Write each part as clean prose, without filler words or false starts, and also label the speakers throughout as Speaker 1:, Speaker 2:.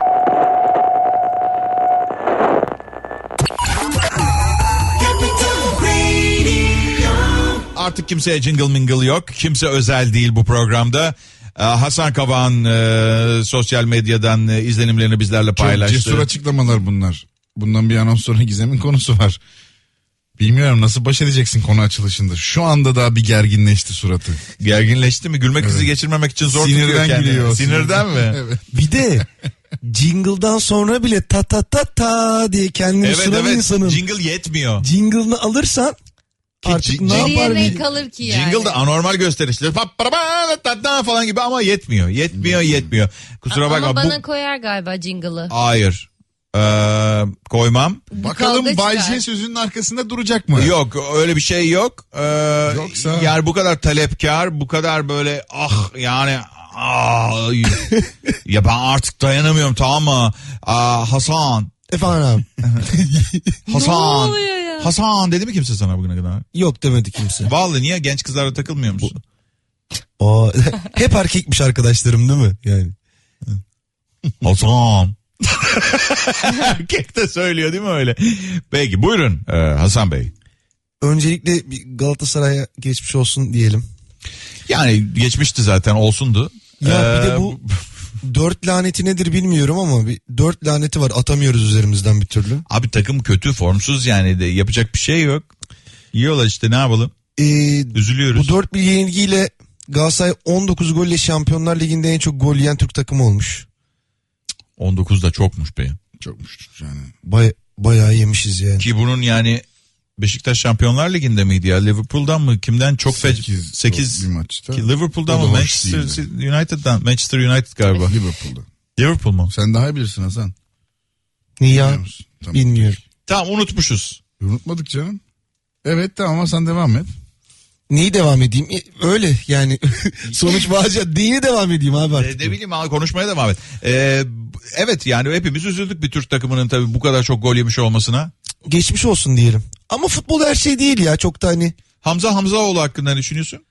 Speaker 1: Artık kimseye jingle mingle yok. Kimse özel değil bu programda. Hasan Kavak'ın sosyal medyadan izlenimlerini bizlerle paylaştı.
Speaker 2: Çok cesur açıklamalar bunlar. Bundan bir anons sonra Gizem'in konusu var. Bilmiyorum nasıl baş edeceksin konu açılışında. Şu anda daha bir gerginleşti suratı.
Speaker 1: Gerginleşti mi? Gülme krizi geçirmemek için zor
Speaker 2: Sinirden
Speaker 1: tutuyor kendini.
Speaker 2: gülüyor.
Speaker 1: Sinirden mi?
Speaker 2: Evet.
Speaker 3: Bir de jingle'dan sonra bile ta ta ta ta diye kendini sunan insanın
Speaker 1: Jingle yetmiyor.
Speaker 3: jingle'ını alırsan artık ne
Speaker 4: Geriye
Speaker 3: yapar?
Speaker 4: ne kalır ki yani?
Speaker 1: Jingle da anormal gösterişli falan gibi ama yetmiyor. Kusura bakma.
Speaker 4: Ama bana koyar galiba jingle'ı.
Speaker 1: Hayır. Koymam.
Speaker 2: Bakalım
Speaker 4: kavga
Speaker 2: Bay
Speaker 4: çıkar.
Speaker 2: J sözünün arkasında duracak mı?
Speaker 1: Yok öyle bir şey yok.
Speaker 2: Yoksa...
Speaker 1: Yani bu kadar talepkar, bu kadar böyle ya ben artık dayanamıyorum, tamam mı? Hasan.
Speaker 3: Efendim abi.
Speaker 1: Hasan.
Speaker 4: Ne oluyor ya?
Speaker 1: Hasan dedi mi kimse sana bugüne kadar?
Speaker 3: Yok demedi kimse.
Speaker 1: Vallahi niye genç kızlarla takılmıyor musun?
Speaker 3: Hep erkekmiş arkadaşlarım değil mi? Yani.
Speaker 1: Hasan. Erkek de söylüyor değil mi öyle? Peki buyurun Hasan Bey.
Speaker 3: Öncelikle bir Galatasaray'a geçmiş olsun diyelim.
Speaker 1: Yani geçmişti zaten, olsundu.
Speaker 3: Ya bir de bu 4 laneti nedir bilmiyorum ama bir 4 laneti var, atamıyoruz üzerimizden bir türlü.
Speaker 1: Abi takım kötü, formsuz, yani de yapacak bir şey yok. Yiyorlar işte, ne yapalım? Üzülüyoruz.
Speaker 3: Bu 4-1 yenilgiyle Galatasaray 19 golle Şampiyonlar Ligi'nde en çok gol yiyen Türk takımı olmuş.
Speaker 1: 19 da çokmuş be.
Speaker 2: Çokmuş yani.
Speaker 3: Bayağı yemişiz yani.
Speaker 1: Ki bunun yani Beşiktaş Şampiyonlar Ligi'nde miydi ya? Liverpool'dan mı? Kimden? Çok 8
Speaker 2: bir maçta.
Speaker 1: Liverpool'dan mı? Manchester United'dan. Manchester United galiba.
Speaker 2: Liverpool'da.
Speaker 1: Liverpool mu?
Speaker 2: Sen daha iyi bilirsin Hasan.
Speaker 3: Niye ya?
Speaker 2: Tamam.
Speaker 3: Bilmiyorum.
Speaker 1: Tamam, unutmuşuz.
Speaker 2: Unutmadık canım. Evet tamam ama sen devam et.
Speaker 3: Neyi devam edeyim? Öyle yani. Sonuç bağıca. Neyi devam edeyim abi artık?
Speaker 1: Ne bileyim abi, konuşmaya devam et. Evet yani hepimiz üzüldük bir Türk takımının tabii bu kadar çok gol yemiş olmasına.
Speaker 3: Geçmiş olsun diyelim. Ama futbol her şey değil ya, çok da hani.
Speaker 1: Hamza Hamzaoğlu hakkında ne düşünüyorsun?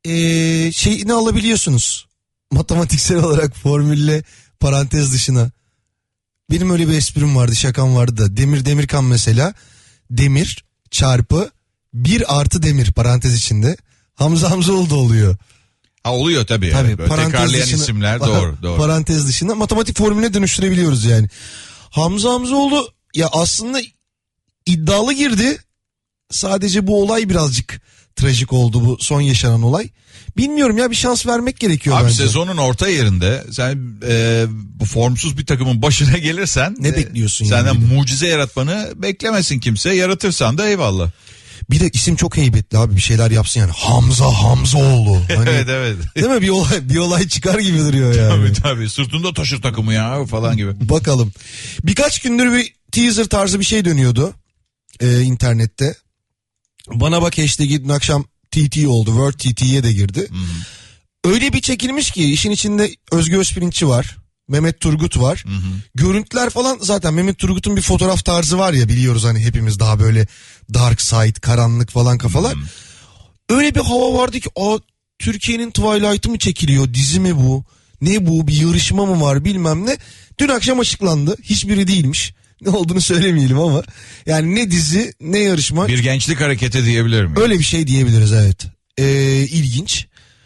Speaker 3: Şeyini alabiliyorsunuz. Matematiksel olarak formülle parantez dışına. Benim öyle bir esprim vardı, şakam vardı da. Demir Demirkan mesela. Demir çarpı 1 artı demir parantez içinde. Hamza Hamzaoğlu da oluyor.
Speaker 1: Ha, oluyor tabii.
Speaker 3: Tabii
Speaker 1: Böyle tekrarlayan isimler doğru.
Speaker 3: Parantez dışında matematik formüline dönüştürebiliyoruz yani. Hamza Hamzaoğlu ya aslında iddialı girdi. Sadece bu olay birazcık trajik oldu, bu son yaşanan olay. Bilmiyorum ya, bir şans vermek gerekiyor
Speaker 1: abi
Speaker 3: bence.
Speaker 1: Sezonun orta yerinde sen bu formsuz bir takımın başına gelirsen
Speaker 3: ne bekliyorsun
Speaker 1: senden
Speaker 3: yani?
Speaker 1: mucize yaratmanı beklemesin kimse. Yaratırsan da eyvallah.
Speaker 3: Bir de isim çok heybetli abi, bir şeyler yapsın yani. Hamza Hamzaoğlu. Hani,
Speaker 1: Evet.
Speaker 3: değil mi? Bir olay çıkar gibi duruyor yani.
Speaker 1: Tabii sırtında taşır takımı ya falan gibi.
Speaker 3: Bakalım. Birkaç gündür bir teaser tarzı bir şey dönüyordu internette. Bana bak hashtag'i dün akşam TT oldu. World TT'ye de girdi. Öyle bir çekilmiş ki işin içinde Özgür Özpirinççi var. Mehmet Turgut var. Görüntüler falan, zaten Mehmet Turgut'un bir fotoğraf tarzı var ya, biliyoruz hani hepimiz, daha böyle dark side, karanlık falan kafalar. Öyle bir hava vardı ki Türkiye'nin Twilight'ı mı çekiliyor, dizi mi bu? Ne bu, bir yarışma mı var bilmem ne. Dün akşam açıklandı. Hiçbiri değilmiş. Ne olduğunu söylemeyelim ama. Yani ne dizi ne yarışma.
Speaker 1: Bir gençlik hareketi diyebilir miyim?
Speaker 3: Öyle bir şey diyebiliriz, evet. İlginç.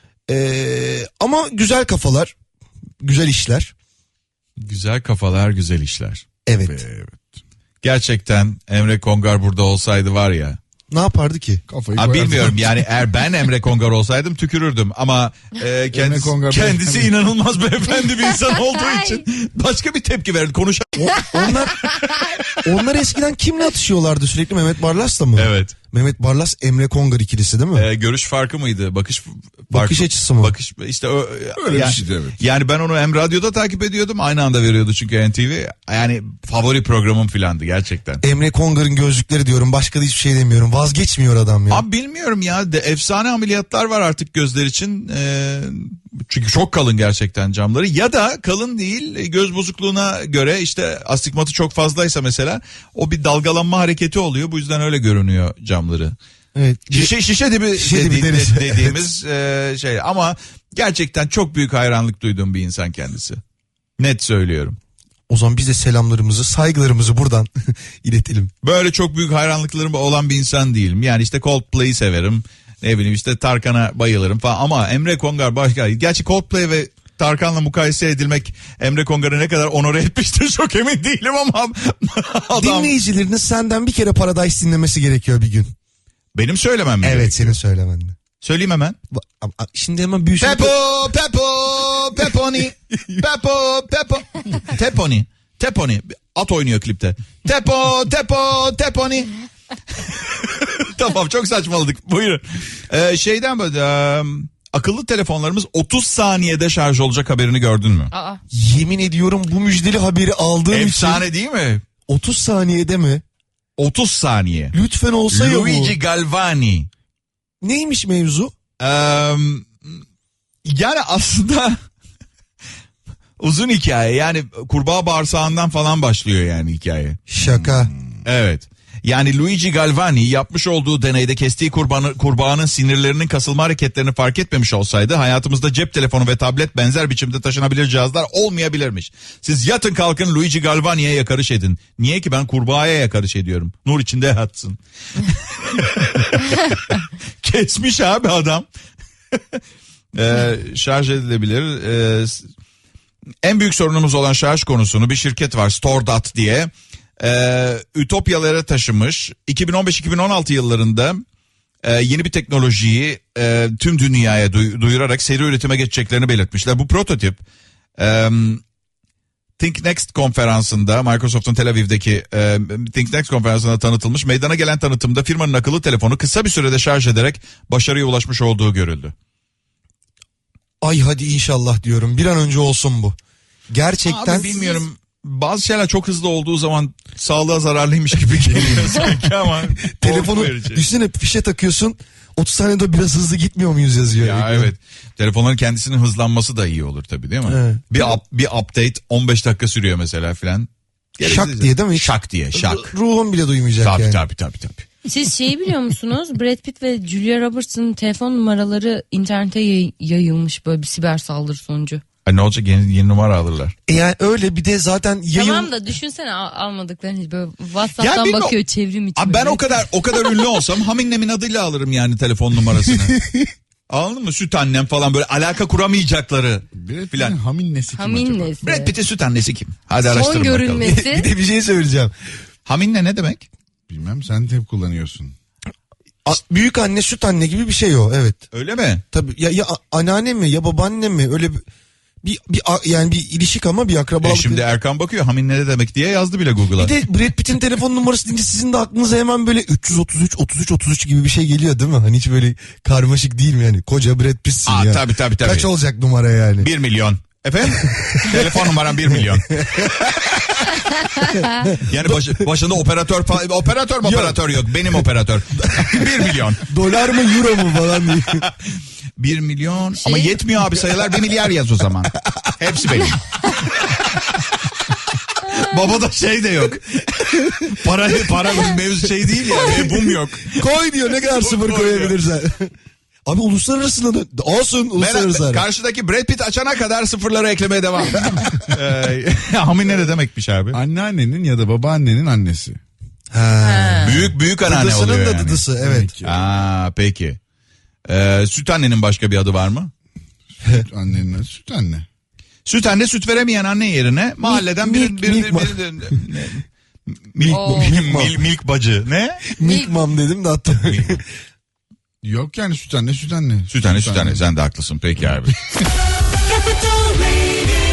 Speaker 3: Ama güzel kafalar. Güzel işler.
Speaker 1: Güzel kafalar, güzel işler.
Speaker 3: Evet.
Speaker 1: Gerçekten Emre Kongar burada olsaydı var ya.
Speaker 3: Ne yapardı ki?
Speaker 2: Kafayı
Speaker 1: Bilmiyorum yani, eğer ben Emre Kongar olsaydım tükürürdüm ama kendisi inanılmaz beyefendi bir insan olduğu için başka bir tepki verdi.
Speaker 3: Onlar eskiden kimle atışıyorlardı sürekli? Mehmet Barlas'la mı?
Speaker 1: Evet.
Speaker 3: Mehmet Barlas Emre Kongar ikilisi değil mi?
Speaker 1: Görüş farkı mıydı?
Speaker 3: Bakış açısı mı?
Speaker 1: İşte
Speaker 2: öyle
Speaker 1: yani,
Speaker 2: bir şeydi, evet.
Speaker 1: Yani ben onu hem radyoda takip ediyordum, aynı anda veriyordu çünkü NTV. Yani favori programım filandı gerçekten.
Speaker 3: Emre Kongar'ın gözlükleri diyorum, başka da hiçbir şey demiyorum. Vazgeçmiyor adam ya.
Speaker 1: Abi bilmiyorum ya, efsane ameliyatlar var artık gözler için. Çünkü çok kalın gerçekten camları, ya da kalın değil, göz bozukluğuna göre işte astigmatı çok fazlaysa mesela o bir dalgalanma hareketi oluyor, bu yüzden öyle görünüyor camları.
Speaker 3: Evet.
Speaker 1: Şişe dibi dediğimiz şey, ama gerçekten çok büyük hayranlık duyduğum bir insan kendisi. Net söylüyorum.
Speaker 3: O zaman biz de selamlarımızı, saygılarımızı buradan iletelim.
Speaker 1: Böyle çok büyük hayranlıklarım olan bir insan değilim. Yani işte Coldplay'i severim. Ne bileyim işte Tarkan'a bayılırım falan. Ama Emre Kongar başka. Gerçi Coldplay ve Tarkan'la mukayese edilmek Emre Kongar'ı ne kadar onore etmiştir çok emin değilim ama adam...
Speaker 3: Dinleyicilerinin senden bir kere Paradise dinlemesi gerekiyor bir gün.
Speaker 1: Benim söylemem mi?
Speaker 3: Evet,
Speaker 1: gerekiyor?
Speaker 3: senin söylemen.
Speaker 1: Söyleyeyim hemen.
Speaker 3: Şimdi hemen büyüsün.
Speaker 1: Peponi. Teponi. At oynuyor klipte. Teponi. Tamam, çok saçmaladık. Buyurun. Şeyden böyle akıllı telefonlarımız 30 saniyede şarj olacak haberini gördün mü?
Speaker 4: Aa.
Speaker 3: Yemin ediyorum bu müjdeli haberi aldığım
Speaker 1: Efsane
Speaker 3: için.
Speaker 1: değil mi?
Speaker 3: 30 saniyede mi?
Speaker 1: 30 saniye.
Speaker 3: Lütfen olsa ya bu.
Speaker 1: Luigi Galvani.
Speaker 3: Neymiş mevzu?
Speaker 1: Yani aslında uzun hikaye. Yani kurbağa bağırsağından falan başlıyor yani hikaye.
Speaker 3: Şaka.
Speaker 1: Evet. Yani Luigi Galvani yapmış olduğu deneyde kestiği kurbağanın sinirlerinin kasılma hareketlerini fark etmemiş olsaydı hayatımızda cep telefonu ve tablet benzer biçimde taşınabilir cihazlar olmayabilirmiş. Siz yatın kalkın Luigi Galvani'ye yakarış edin. Niye ki ben kurbağaya yakarış ediyorum? Nur içinde yatsın. Kesmiş abi adam. Şarj edilebilir. En büyük sorunumuz olan şarj konusunu bir şirket var, StoreDot diye. Ütopyalara taşımış. 2015-2016 yıllarında yeni bir teknolojiyi tüm dünyaya duyurarak seri üretime geçeceklerini belirtmişler. Bu prototip Think Next konferansında, Microsoft'un Tel Aviv'deki Think Next konferansında tanıtılmış. Meydana gelen tanıtımda firmanın akıllı telefonu kısa bir sürede şarj ederek başarıya ulaşmış olduğu görüldü.
Speaker 3: Ay hadi inşallah diyorum. Bir an önce olsun bu. Gerçekten.
Speaker 1: Abi bilmiyorum. Bazı şeyler çok hızlı olduğu zaman sağlığa zararlıymış gibi geliyor sanki ama.
Speaker 3: Telefonu
Speaker 1: korku verici.
Speaker 3: üstüne fişe takıyorsun. 30 saniyede biraz hızlı gitmiyor muyuz yazıyor.
Speaker 1: Ya evet. Telefonların kendisinin hızlanması da iyi olur tabii, değil mi?
Speaker 3: Evet.
Speaker 1: Bir update 15 dakika sürüyor mesela filan.
Speaker 3: Şak diye değil mi?
Speaker 1: Şak diye, şak.
Speaker 3: Ruhum bile duymayacak
Speaker 1: Tabii
Speaker 3: yani.
Speaker 1: tabii.
Speaker 4: Siz şeyi biliyor musunuz? Brad Pitt ve Julia Roberts'ın telefon numaraları internete yayılmış böyle bir siber saldırı sonucu.
Speaker 1: Ne olacak, yeni numara alırlar.
Speaker 3: Yani öyle bir de zaten
Speaker 4: Tamam da düşünsene almadıklarını böyle WhatsApp'tan
Speaker 1: Ya bilmiyorum.
Speaker 4: bakıyor çevrim içi.
Speaker 1: Abi ben
Speaker 4: böyle.
Speaker 1: o kadar ünlü olsam Haminnem'in adıyla alırım yani telefon numarasını. Anladın mı? Süt annem falan, böyle alaka kuramayacakları filan.
Speaker 2: Hamin nesi kim acaba?
Speaker 4: Haminnesi.
Speaker 1: Brad Pitt'in süt annesi kim? Hadi araştırın
Speaker 4: Son
Speaker 1: bakalım.
Speaker 4: görülmesi.
Speaker 3: bir de bir şey söyleyeceğim.
Speaker 1: Haminne ne demek?
Speaker 2: Bilmem, sen de hep kullanıyorsun.
Speaker 3: Büyük anne süt anne gibi bir şey o, evet.
Speaker 1: Öyle mi?
Speaker 3: Tabii ya anneanne mi ya babaanne mi, öyle yani bir ilişik ama bir akrabalık.
Speaker 1: Şimdi Erkan bakıyor Haminne ne demek diye yazdı bile Google'a.
Speaker 3: Bir de Brad Pitt'in telefon numarası deyince sizin de aklınıza hemen böyle 333 gibi bir şey geliyor değil mi? Hani hiç böyle karmaşık değil mi yani? Koca Brad Pitt'sin ya.
Speaker 1: Tabii.
Speaker 3: Kaç olacak numara yani?
Speaker 1: 1 milyon. Efendim? Telefon numaram 1 milyon. Yani başında operatör yok. Benim operatör. 1 milyon.
Speaker 3: Dolar mı euro mu falan diye.
Speaker 1: 1 milyon ama yetmiyor abi sayılar, 1 milyar yaz o zaman. Hepsi benim. Babada şey de yok. Para mevzu şey değil yani. Bum yok.
Speaker 3: Koy diyor, ne kadar sıfır
Speaker 1: Koy
Speaker 3: koyabilirsen. Abi uluslararası olsun, uluslararası.
Speaker 1: Karşıdaki Brad Pitt açana kadar sıfırları eklemeye devam. Haminne ne demekmiş abi?
Speaker 2: Anneannenin ya da babaannenin annesi.
Speaker 3: Ha.
Speaker 1: Büyük anneanne
Speaker 3: Dıdısının
Speaker 1: oluyor
Speaker 3: da
Speaker 1: yani.
Speaker 3: dıdısı, evet.
Speaker 1: Peki. Süt annenin başka bir adı var mı?
Speaker 2: Annenin süt anne.
Speaker 1: Süt anne, süt veremeyen anne yerine mahalleden milk bacı. Ne?
Speaker 3: Milk mom dedim de hatta.
Speaker 2: Yok yani süt anne.
Speaker 1: Süt anne. Sen de haklısın. Peki abi.
Speaker 5: Capital Radio.